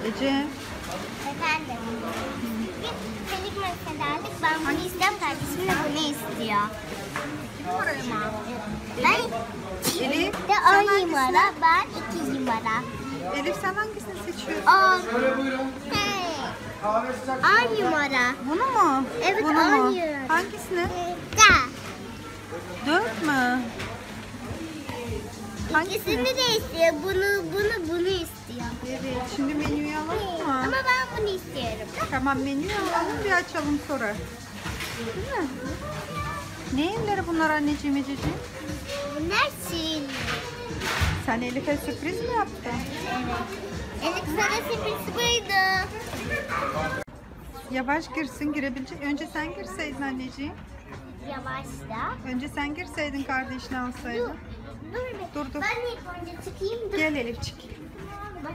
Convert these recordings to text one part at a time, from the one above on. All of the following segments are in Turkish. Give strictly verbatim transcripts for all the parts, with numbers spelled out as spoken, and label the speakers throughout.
Speaker 1: Ece.
Speaker 2: Efendim. Biz Felik mesela aldık. Ben bunu istiyorum. Kardeşim de bunu istiyor.
Speaker 1: İki numarayı mı?
Speaker 2: Ben
Speaker 1: Elif.
Speaker 2: de on numara. Ben iki numara.
Speaker 1: Elif sen hangisini seçiyorsun?
Speaker 2: On. Hey. On numara.
Speaker 1: Bunu mu?
Speaker 2: Evet,
Speaker 1: Bunu mu?
Speaker 2: on numara.
Speaker 1: Hangisini?
Speaker 2: Da.
Speaker 1: Dört mü?
Speaker 2: İkisini de istiyor. Bunu, bunu, bunu istiyor.
Speaker 1: Evet. Şimdi menüyü alalım mı?
Speaker 2: Ama ben bunu istiyorum.
Speaker 1: Tamam, menüyü alalım, bir açalım sonra. Değil mi? Ne evleri bunlar anneciğim, Ececiğim?
Speaker 2: Bunlar şirin.
Speaker 1: Sen Elif'e sürpriz mi yaptın?
Speaker 2: Evet. Elif sana sürpriz buydu.
Speaker 1: Yavaş girsin, girebilecek. Önce sen girseydin anneciğim.
Speaker 2: Yavaşla.
Speaker 1: Önce sen girseydin, kardeşini alsaydın.
Speaker 2: Dur bir.
Speaker 1: Dur, dur.
Speaker 2: Ben ilk önce çıkayım. Dur.
Speaker 1: Gel Elifçik.
Speaker 2: Bak.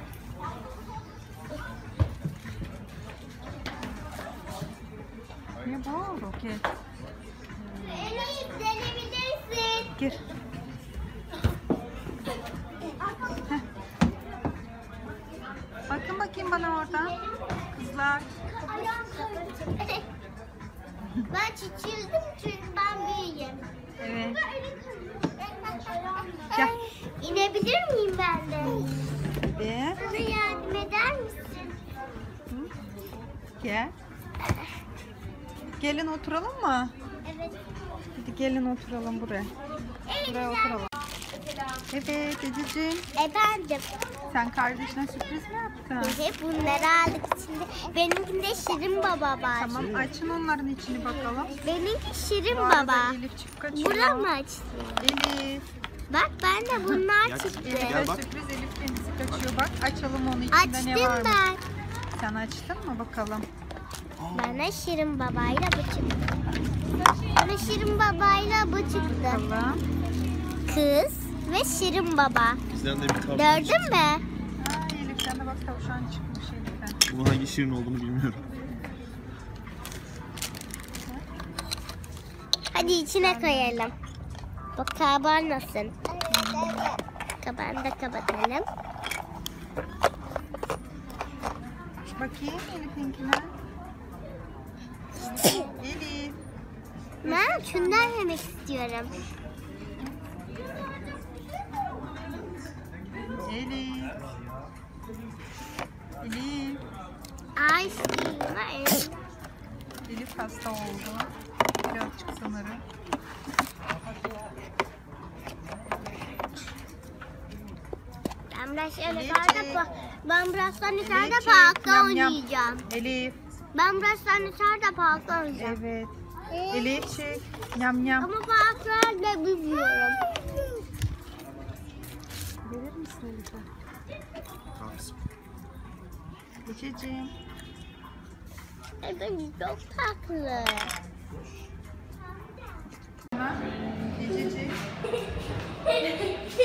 Speaker 1: Ne bu roket?
Speaker 2: Elif denebilirsin.
Speaker 1: Gir. Heh. Bakın bakayım bana oradan. Kızlar.
Speaker 2: Ben küçüldüm çünkü ben büyüğüm.
Speaker 1: Evet. Gel.
Speaker 2: İnebilir miyim ben de?
Speaker 1: Ve
Speaker 2: Bana yardım eder misin?
Speaker 1: gel. Gelin oturalım mı?
Speaker 2: Evet.
Speaker 1: Hadi gelin oturalım buraya. Buraya oturalım. Evet Ececiğim.
Speaker 2: Efendim.
Speaker 1: Sen kardeşine sürpriz mi yaptın?
Speaker 2: Hep bunları aldık içinde. Benimkinde Şirin Baba var.
Speaker 1: Tamam, açın onların içini bakalım.
Speaker 2: Benimki Şirin
Speaker 1: Bu arada
Speaker 2: Baba.
Speaker 1: Elifçik kaçıyor.
Speaker 2: Bura mı açtı?
Speaker 1: Elif.
Speaker 2: Bak ben de bunlar çıktı.
Speaker 1: Elif'e sürpriz, Elif kendisi kaçıyor. Bak açalım onu, içinde ne
Speaker 2: Açtım
Speaker 1: varmış.
Speaker 2: ben.
Speaker 1: Sen açtın mı bakalım?
Speaker 2: Bana Şirin Baba'yla bu çıktı. Bana Şirin Baba'yla bu çıktı.
Speaker 1: Bakalım.
Speaker 2: Kız ve Şirin Baba.
Speaker 3: Bizden de bir tavşan
Speaker 2: Gördün
Speaker 3: çıktı.
Speaker 2: mü?
Speaker 1: Aa, Elif sen de bak, tavşan çıkmış Elif'ten.
Speaker 3: Bunun hangi şirin olduğunu bilmiyorum.
Speaker 2: Hadi içine koyalım. Bak kabarmasın. Kapağını da kapatalım.
Speaker 1: Bakayım Elif'inkine. Elif.
Speaker 2: Ben şundan yemek istiyorum.
Speaker 1: Elif. Elif.
Speaker 2: Ay Elif.
Speaker 1: Elif hasta oldu. Birazcık sanırım.
Speaker 2: Ben biraz şöyle
Speaker 1: Elifciğim.
Speaker 2: yukarıda ben birazdan yukarıda
Speaker 1: Elifciğim,
Speaker 2: parkta
Speaker 1: yam yam.
Speaker 2: oynayacağım.
Speaker 1: Elif.
Speaker 2: Ben birazdan yukarıda parkta oynayacağım.
Speaker 1: Evet. Elifçik. Yam yam.
Speaker 2: Ama parklarda bilmiyorum.
Speaker 1: Verir misin Elif'e? Ececiğim.
Speaker 2: Evet çok tatlı.
Speaker 1: Ececiğim. Elif.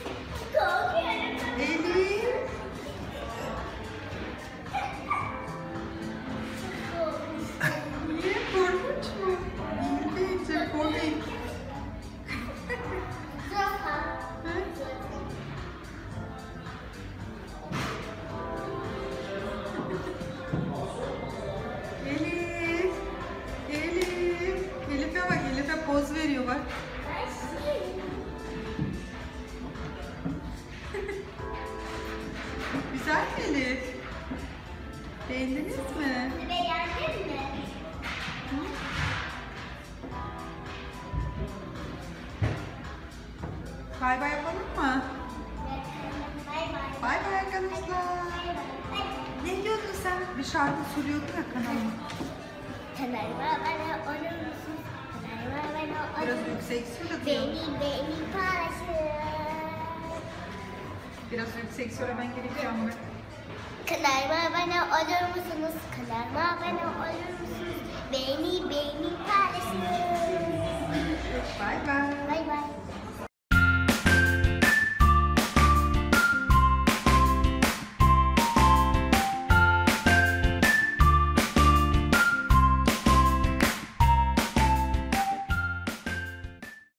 Speaker 1: Niye, korkunç mu? Değil değil, komik. Elif. Elif. Elif'e bak, Elif'e poz veriyor bak. Güzel mi Elif? Beğendiniz mi?
Speaker 2: Beğendin mi?
Speaker 1: Bay bay yapalım mı?
Speaker 2: Bay bay.
Speaker 1: Bay bay arkadaşlar. Ne diyordun sen? Bir şarkı söylüyordun ya kanalıma.
Speaker 2: Kanalıma abone olur musun? Kanalıma abone olur
Speaker 1: Biraz
Speaker 2: musun?
Speaker 1: yüksek söyle.
Speaker 2: Beni beni paylaşın.
Speaker 1: Biraz yüksek söylemen gerekiyor ama.
Speaker 2: Kanalıma abone olur musunuz? Kanalıma abone olur musunuz? Beni beni paylaşın.
Speaker 1: Bay bay.
Speaker 2: Bay bay.